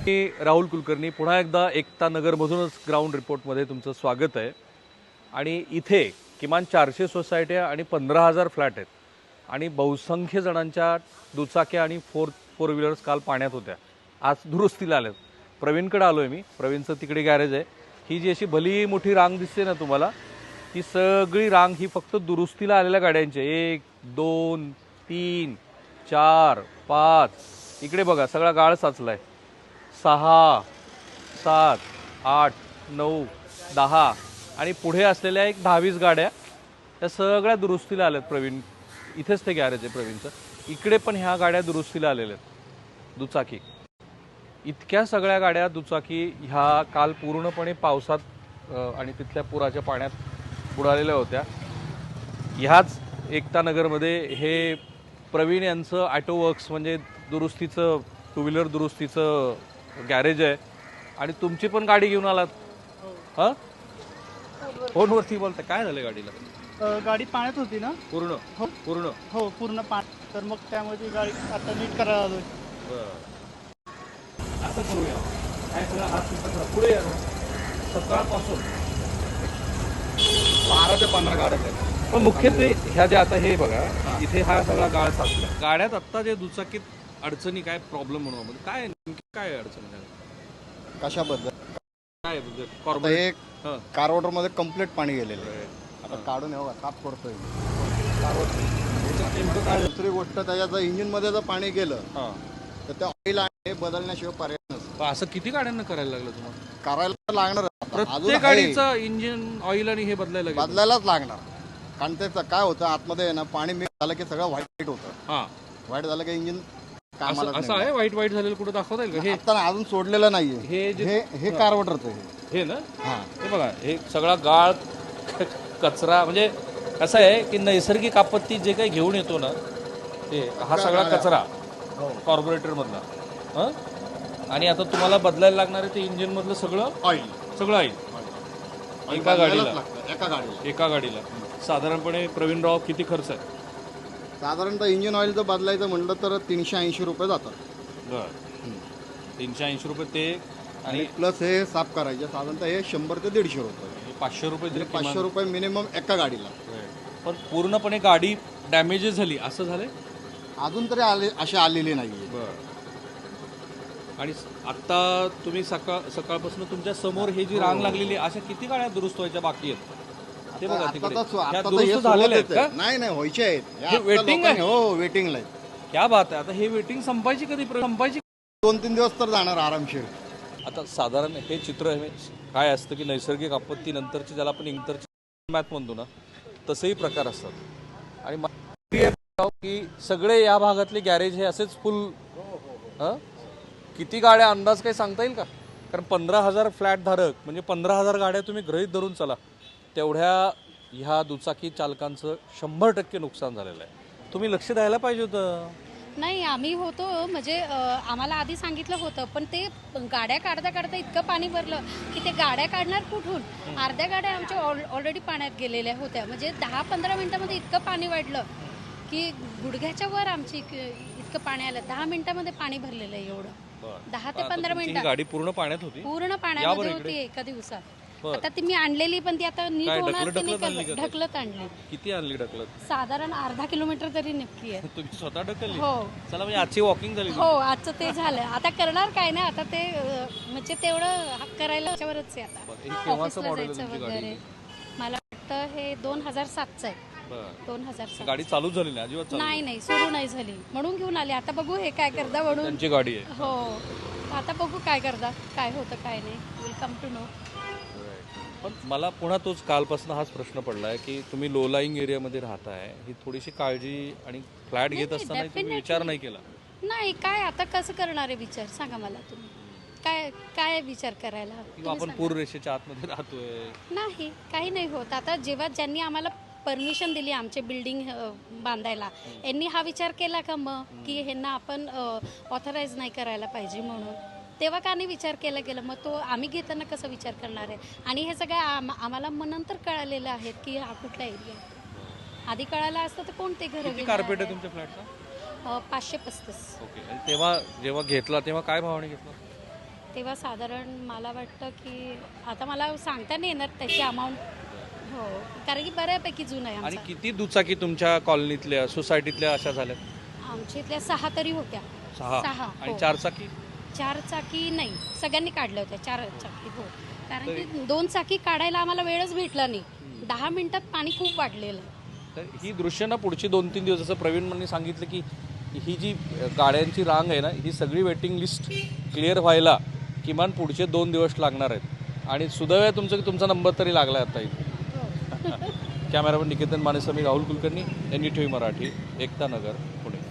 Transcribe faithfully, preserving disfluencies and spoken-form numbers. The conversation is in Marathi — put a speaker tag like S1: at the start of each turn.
S1: मी राहुल कुलकर्णी पुन्हा एकदा एकता नगरमधूनच ग्राउंड रिपोर्टमध्ये तुमचं स्वागत आहे। आणि इथे किमान चारशे सोसायट्या आणि पंधरा हजार फ्लॅट आहेत आणि बहुसंख्य जणांच्या दुचाक्या आणि फोर फोर व्हीलर्स काल पाण्यात होत्या, आज दुरुस्तीला आल्यात। प्रवीणकडे आलो आहे मी, प्रवीणचं तिकडे गॅरेज आहे। ही जी अशी भली मोठी रांग दिसते ना तुम्हाला, ही सगळी रांग ही फक्त दुरुस्तीला आलेल्या गाड्यांची। एक दोन तीन चार पाच, इकडे बघा सगळा गाळ साचलाय। सहा सात आठ नऊ दहा आणि पुढे असलेल्या एक दहावीस गाड्या त्या सगळ्या दुरुस्तीला आल्यात। प्रवीण इथेच ते गॅरेज आहे प्रवीणचं, इकडे पण ह्या गाड्या दुरुस्तीला आलेल्या आहेत दुचाकी। इतक्या सगळ्या गाड्या दुचाकी ह्या काल पूर्णपणे पावसात आणि तिथल्या पुराच्या पाण्यात बुडालेल्या होत्या। ह्याच एकता नगरमध्ये हे प्रवीण यांचं ऑटो वर्क्स म्हणजे दुरुस्तीचं टू व्हीलर दुरुस्तीचं गॅरेज आहे। आणि तुमची पण गाडी घेऊन आलात? हां, फोनवरती बोलता, काय झालं गाडीला?
S2: गाडी पाण्यात होती ना
S1: पूर्ण?
S2: हो
S1: पूर्ण
S2: हो पूर्ण पाणी, तर मग त्यामध्ये गाडी आता नीट करायला आलोय।
S1: असं करूया, काय सगळं हात पुढे या ना। सकाळपासून बारा ते पंधरा गाड्या आहेत, पण मुख्यत्वे ह्या ज्या आता हे बघा इथे हा सगळा गाळ साचला। गाड्यात आत्ता जे दुचाकीत अडचणी काय प्रॉब्लेम म्हणून काय काय अडचण
S3: कशाबद्दल?
S1: काय
S3: आता हे कार वॉटर मध्ये कम्प्लीट पाणी गेलेलं आहे, आता काढून येऊ साफ करतोय। दुसरी गोष्ट, त्याच्यात इंजिन मध्ये जर पाणी गेलं तर त्या ऑइल आहे बदलण्याशिवाय पर्याय नसतो।
S1: असं किती गाड्यांना करायला लागलं तुम्हाला?
S3: करायला लागणार,
S1: प्रत्येक गाडीचं इंजिन ऑइल आणि हे बदलायला
S3: बदलायलाच लागणार। कारण त्याचं काय होतं, आतमध्ये ना पाणी मिक्स झालं की सगळं व्हाईट होतं। हा, व्हाईट झालं की इंजिन
S1: असं आहे। वाईट वाईट झालेलं कुठं दाखवता येईल का? हे
S3: आता अजून सोडलेलं नाहीये,
S1: हे
S3: हे हे कार वॉटरचं
S1: हे ना।
S3: हा,
S1: हे बघा, हे सगळा गाळ कचरा, म्हणजे असं आहे की नैसर्गिक आपत्ती जे काही घेऊन येतो ना, ते हा सगळा कचरा कॉर्पोरेटर मधला। हां, आणि आता तुम्हाला बदलायला लागणार आहे ते इंजिन मधलं सगळं ऑइल, सगळं ऑइल एका गाडीला
S3: एका गाडीला
S1: एका गाडीला साधारणपणे प्रवीणराव किती खर्च आहे?
S3: साधारणतः इंजिन ऑइल जर बदलायचं म्हणलं तर तीनशे ऐंशी रुपये जातात।
S1: बरं, तीनशे ऐंशी रुपये ते,
S3: आणि प्लस हे साफ करायचे साधारणतः हे शंभर ते दीडशे रुपये,
S1: पाचशे रुपये तरी
S3: पाचशे रुपये मिनिमम एका गाडीला।
S1: पण पूर्णपणे गाडी डॅमेजेस झाली असं झालंय?
S3: अजून तरी आले अशी आलेली नाहीये।
S1: बरं, आणि आता तुम्ही सकाळ सकाळपासून तुमच्या समोर हे जी रांग लागलेली, अशा किती गाड्या दुरुस्त व्हायच्या बाकी आहेत? ते बघा तिकडे झालेले आहेत का?
S3: नाही नाही, व्हायचे आहेत,
S1: वेटिंग आहे।
S3: हो, वेटिंगला आहे।
S1: क्या बात आहे। आता हे वेटिंग संपायची कधी? संपायची
S3: दोन तीन दिवस तर जाणार आरामशीर।
S1: आता साधारण हे चित्र काय असतं की नैसर्गिक आपत्ती नंतरची, ज्याला आपण इंटरची मॅथ म्हणतो ना, तसेही प्रकार असतात। आणि की सगळे या भागातले गॅरेज हे असेच फुल, हां, किती गाड्या अंदाज काही सांगता येईल का? कारण पंधरा हजार फ्लॅट धारक म्हणजे पंधरा हजार गाड्या तुम्ही गृहीत धरून चला, तेवढ्या ह्या दुचाकी चालकांचं शंभर टक्के नुकसान झालेलं आहे। तुम्ही लक्ष द्यायला पाहिजे होतं।
S4: नाही, आम्ही होतो म्हणजे आम्हाला आधी सांगितलं होतं, पण ते गाड्या काढता काढता इतकं पाणी भरलं की ते गाड्या काढणार कुठून? अर्ध्या गाड्या आमच्या ऑलरेडी पाण्यात गेलेल्या होत्या, म्हणजे दहा पंधरा मिनिटामध्ये इतकं पाणी वाढलं की गुडघ्याच्या वर आमची इतकं पाणी आलं। दहा मिनिटामध्ये पाणी भरलेलं आहे एवढं, दहा ते पंधरा मिनिटात
S1: गाडी पूर्ण पाण्यात होती,
S4: पूर्ण पाण्यामध्ये होती एका दिवसात। आता ती मी आणलेली, पण ती आता नीट होणार की नाही, ढकलत आणली।
S1: किती आणली ढकलत?
S4: साधारण अर्धा किलोमीटर तरी नक्की आहे।
S1: तुम्ही स्वतः ढकलली?
S4: हो,
S1: चला, म्हणजे आजची वॉकिंग झाली।
S4: हो, आजचं ते झालं। आता करणार काय ना, आता ते म्हणजे तेवढं करायला त्याच्यावरच आहे। आता ऑफिसला जायचं वगैरे। मला वाटतं हे दोन हजार सातचं आहे। दोन हजार सात
S1: गाडी चालू झाली नाही अजिबात?
S4: नाही नाही, सुरू नाही झाली, म्हणून घेऊन आले। आता बघू हे काय करता, म्हणून
S1: त्यांची गाडी आहे।
S4: हो, आता बघू काय करता, काय होतं काय नाही, विल कम टू नो।
S1: पण मला पुन्हा तोच कालपासून हाच प्रश्न पडलाय की तुम्ही लो लाईंग एरियामध्ये राहताय, ही थोडीशी काळजी आणि फ्लॅट घेत असताना तुम्ही विचार नाही केला?
S4: नाही, काय आता कसं करणार आहे विचार, सांगा मला तुम्ही, काय काय विचार करायला?
S1: आपण पूर रेषेच्या आतमध्ये राहतोय?
S4: नाही, काही नाही होत। आता जेव्हा ज्यांनी आम्हाला परमिशन दिली आमचे बिल्डिंग बांधायला, यांनी हा विचार केला का मग की ह्यांना आपण ऑथराईज नाही करायला पाहिजे म्हणून? तेव्हा का नाही विचार केला गेला? मग तो आम्ही घेताना कसं विचार करणार आहे? आणि हे सगळं आम आम्हाला मग नंतर कळालेलं आहे की हा कुठला एरिया आहे। आधी कळायला असतं तर कोणते घर?
S1: कार्पेट आहे तुमच्या फ्लॅटचा?
S4: पाचशे पस्तीस.
S1: ओके, तेव्हा जेव्हा घेतला तेव्हा काय भावाने घेतला?
S4: तेव्हा साधारण मला वाटतं की आता मला सांगता नाही येणार त्याची अमाऊंट. हो, कारण की बऱ्यापैकी जुनं आहे
S1: आणि
S4: आमचं.
S1: किती दुचाकी तुमच्या कॉलनीतल्या सोसायटीतल्या अशा झाल्या?
S4: आमच्या इथल्या सहा तरी होत्या.
S1: सहा.
S4: सहा,
S1: आणि
S4: हो.
S1: चार चाकी?
S4: चार चाकी नाही, सगळ्यांनी काढल्या होत्या चार चाकी. हो, कारण
S1: तरी-
S4: की दोन चाकी काढायला आम्हाला वेळच भेटला नाही. दहा मिनिटात पाणी खूप वाढलेलं आहे.
S1: तर ही दृश्य ना पुढची दोन तीन दिवस, जसं प्रवीण यांनी सांगितलं की ही जी गाड्यांची रांग आहे ना, ही सगळी वेटिंग लिस्ट क्लिअर व्हायला किमान पुढचे दोन दिवस लागणार आहेत. आणि सुदैव आहे तुमचं की तुमचा नंबर तरी लागला आता इथे. कॅमेरामन निकेतन मानेसह मी Rahul Kulkarni, N D T V Marathi, Ekta Nagar, Pune.